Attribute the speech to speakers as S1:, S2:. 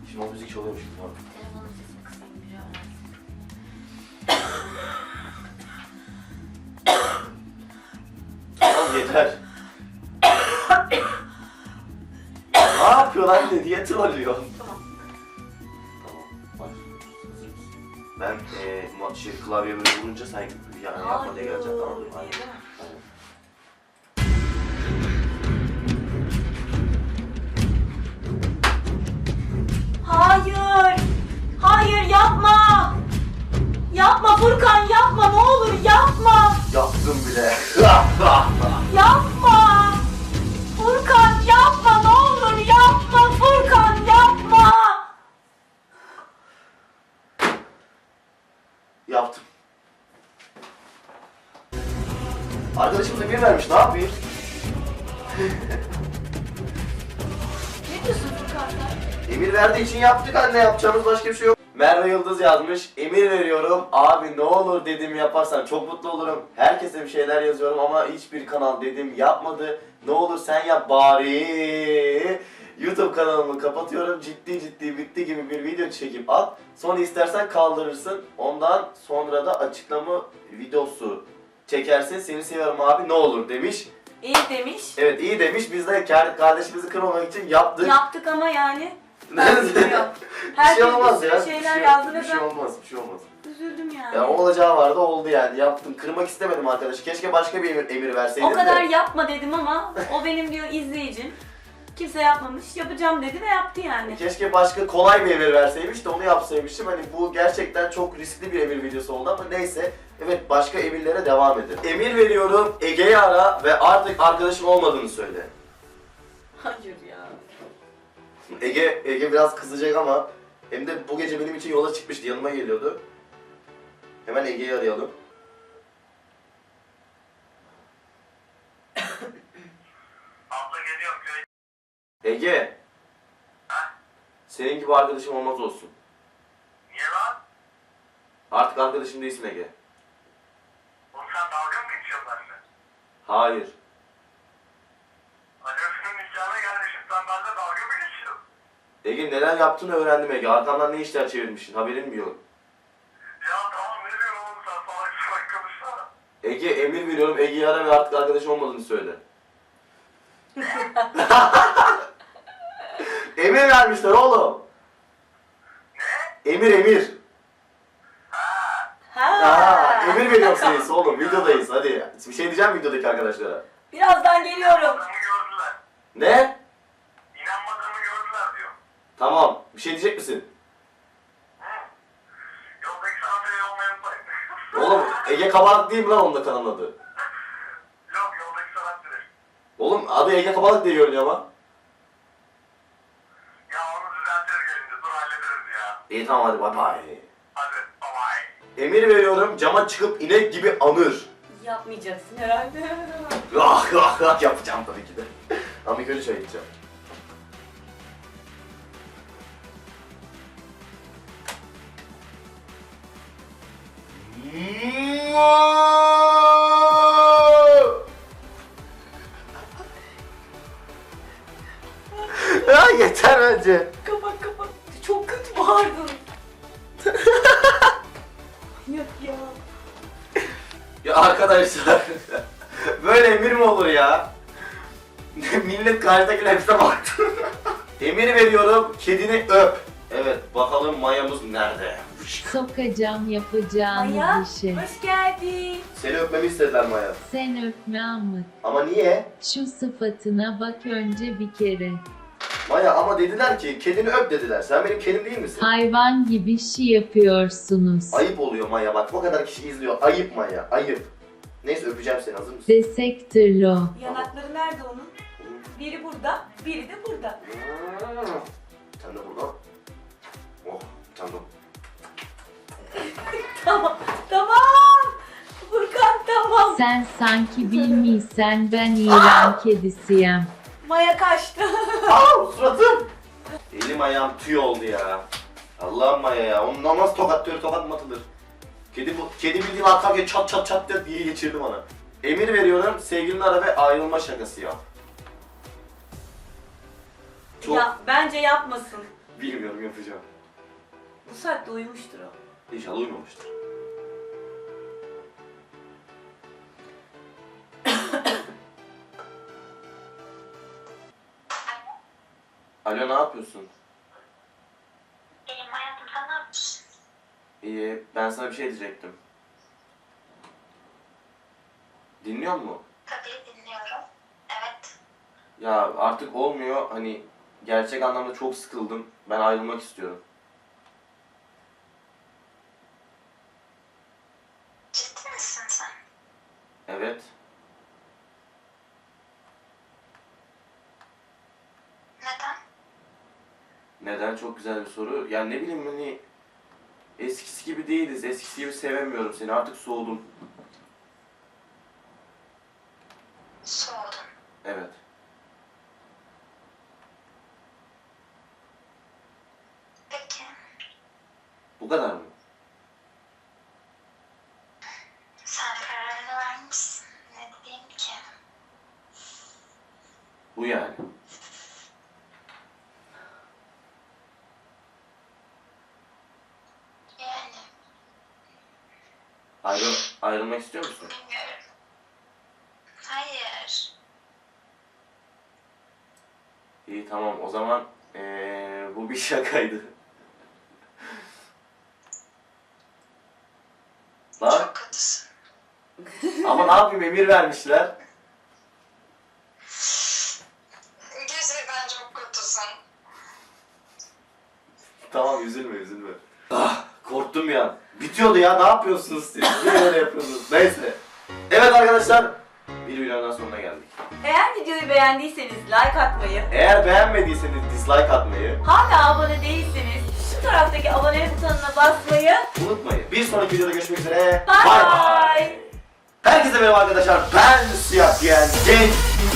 S1: Şimdi o müzik çalıyormuş gibi var.
S2: Telefonun sesini kısayım biri öğrensin.
S1: Tamam yeter. Ne yapıyor lan ne diye trollüyor.
S2: Tamam.
S1: Tamam başlıyoruz. Hazır mısın? Ben klavyeye böyle vurunca sen yani yapma diye geleceksin tamam mı? Aynen.
S2: Değil mi?
S1: Aynen.
S2: Hayır! Hayır yapma! Yapma Furkan yapma ne olur yapma!
S1: Yaptım bile.
S2: Yapma! Furkan yapma ne olur yapma Furkan yapma!
S1: Yaptım. Arkadaşım da bir vermiş, ne yapayım?
S2: Ne diyorsun Furkan sen?
S1: Emir verdiği için yaptık anne, yapacağımız başka bir şey yok. Merve Yıldız yazmış, emir veriyorum abi ne olur dedim yaparsan çok mutlu olurum. Herkese bir şeyler yazıyorum ama hiçbir kanal dedim yapmadı. Ne olur sen yap bari. YouTube kanalımı kapatıyorum, ciddi bitti gibi bir video çekip at. Sonra istersen kaldırırsın, ondan sonra da açıklama videosu çekersin. Seni seviyorum abi ne olur demiş.
S2: İyi demiş.
S1: Evet iyi demiş, biz de kardeşimizi kırmamak için yaptık.
S2: Yaptık ama yani.
S1: Yok. Bir
S2: Herkes
S1: şey olmaz
S2: bir
S1: ya.
S2: sürü şeyler yazdı ve
S1: bir şey
S2: ben
S1: olmaz, bir şey olmaz.
S2: üzüldüm yani.
S1: Ya o olacağı vardı, oldu yani. Yaptım. Kırmak istemedim arkadaş. Keşke başka bir emir verseydim
S2: O kadar
S1: de.
S2: yapma dedim ama o benim diyor izleyicim. Kimse yapmamış, yapacağım dedi ve yaptı yani.
S1: Keşke başka kolay bir emir verseymiş de onu yapsaymışım. Hani bu gerçekten çok riskli bir emir videosu oldu ama neyse. Evet başka emirlere devam edelim. Emir veriyorum, Ege'yi ara ve artık arkadaşım olmadığını söyle.
S2: Hayır ya.
S1: Ege biraz kızacak ama hem de bu gece benim için yola çıkmıştı, yanıma geliyordu. Hemen Ege'yi arayalım.
S3: Abla geliyorum köy.
S1: Ege. Senin gibi arkadaşım olmaz olsun.
S3: Niye lan?
S1: Artık arkadaşım değilsin Ege.
S3: Oğlum sen dalga mı geçiyorsun benimle?
S1: Hayır.
S3: Annemsin nikahına gelmişim sen benimle dalga mı geçiyorsun?
S1: Ege neler yaptığını öğrendim Ege. Arkamdan ne işler çevirmişsin, haberin mi yok?
S3: Ya tamam ne diyorsun oğlum sen salak konuşsana.
S1: Ege emir veriyorum, Ege'yi ara ve artık arkadaşım olmadığını söyle. Emir vermişler oğlum.
S3: Ne?
S1: Emir.
S2: Ha.
S1: Emir veriyorum size oğlum, videodayız hadi. Bir şey diyeceğim videodaki arkadaşlara.
S2: Birazdan geliyorum.
S3: İnanmadığımı gördüler.
S1: Ne?
S3: İnanmadığımı gördüler diyor.
S1: Tamam, bir şey diyecek misin?
S3: Hı? Yoldaki sana tele olmayı unutmayın.
S1: Oğlum Ege Kabalık değil mi lan onun da kanalın adı?
S3: Yok yoldaki sanat direkt.
S1: Oğlum adı Ege Kabalık diye görünüyor ama.
S3: Ya onu düzeltiriz gelince dur hallederiz ya.
S1: İyi tamam hadi bay bay.
S3: Hadi bye bye.
S1: Emir veriyorum, cama çıkıp inek gibi anır.
S2: Yapmayacaksın herhalde.
S1: Yapacağım tabii ki de. Ama ilk önce çay içeceğim. Ya yeter bence.
S2: Kapat. Çok kötü bağırdın. Yok ya.
S1: Ya arkadaşlar, böyle emir mi olur ya? Millet karşıdakine hepsine baktı. Emir veriyorum, kedini öp. Evet, bakalım mayamız nerede?
S4: Sokacağım yapacağınız
S2: Maya,
S4: işi.
S2: hoş geldin.
S1: Seni öpmemi istediler Maya.
S4: Sen öpme Amık.
S1: Ama niye?
S4: Şu sıfatına bak önce bir kere.
S1: Maya ama dediler ki kedini öp dediler. Sen benim kedim değil misin?
S4: Hayvan gibi şey yapıyorsunuz.
S1: Ayıp oluyor Maya, bak o kadar kişi izliyor. Ayıp Maya, ayıp. Neyse öpeceğim seni, hazır mısın?
S4: Desektir lo.
S2: Yanakları nerede onun? Biri burada, biri de burada.
S1: Sen de burada. Oh, tamam.
S2: Tamam. Furkan tamam.
S4: Sen sanki bilmiysen ben İran kedisiyim.
S2: Maya kaçtı.
S1: Aa, suratım! Elim ayağım tüy oldu ya. Allah'ım Maya ya, ondan nasıl tokat mı atılır? Kedi bildiğin arka çat diye geçirdi bana. Emir veriyorum, sevgilini ara ve ayrılma şakası yap. Çok...
S2: Ya bence yapmasın.
S1: Bilmiyorum, yapacağım.
S2: Bu saatte uyumuştur o.
S1: İnşallah uyumamıştır. Alo, ne yapıyorsun?
S3: İyiyim hayatım, sen ne yapıyorsun?
S1: İyi, ben sana bir şey diyecektim. Dinliyor musun?
S3: Tabii dinliyorum. Evet.
S1: Ya artık olmuyor, hani gerçek anlamda çok sıkıldım. Ben ayrılmak istiyorum.
S3: Ciddi misin sen?
S1: Evet.
S3: Neden?
S1: Neden? Çok güzel bir soru. Ya ne bileyim, hani eskisi gibi değiliz. Eskisi gibi sevemiyorum seni. Artık soğudum.
S3: Soğudum.
S1: Evet.
S3: Peki.
S1: Bu kadar mı?
S3: Sen kararını vermişsin. Ne diyeyim ki?
S1: Bu yani.
S3: Yani
S1: Ayrılmak istiyor musun?
S3: bilmiyorum. Hayır.
S1: İyi, tamam, o zaman bu bir şakaydı. Lan,
S3: Çok kötüsün.
S1: ama ne yapayım, emir vermişler.
S3: Gerçekten çok kötüsün.
S1: Tamam, üzülme. Ah, korktum ya. Bitiyordu ya, ne yapıyorsunuz siz? Niye öyle yapıyorsunuz? Neyse. Evet arkadaşlar, bir videonun sonuna geldik.
S2: Eğer videoyu beğendiyseniz like atmayı,
S1: Eğer beğenmediyseniz dislike atmayı
S2: hala abone değilseniz şu taraftaki abone butonuna basmayı.
S1: unutmayın. Bir sonraki videoda görüşmek üzere.
S2: Bye
S1: Bay bay.
S2: bye.
S1: Herkese merhaba arkadaşlar. Ben Siyah Giyen Genç.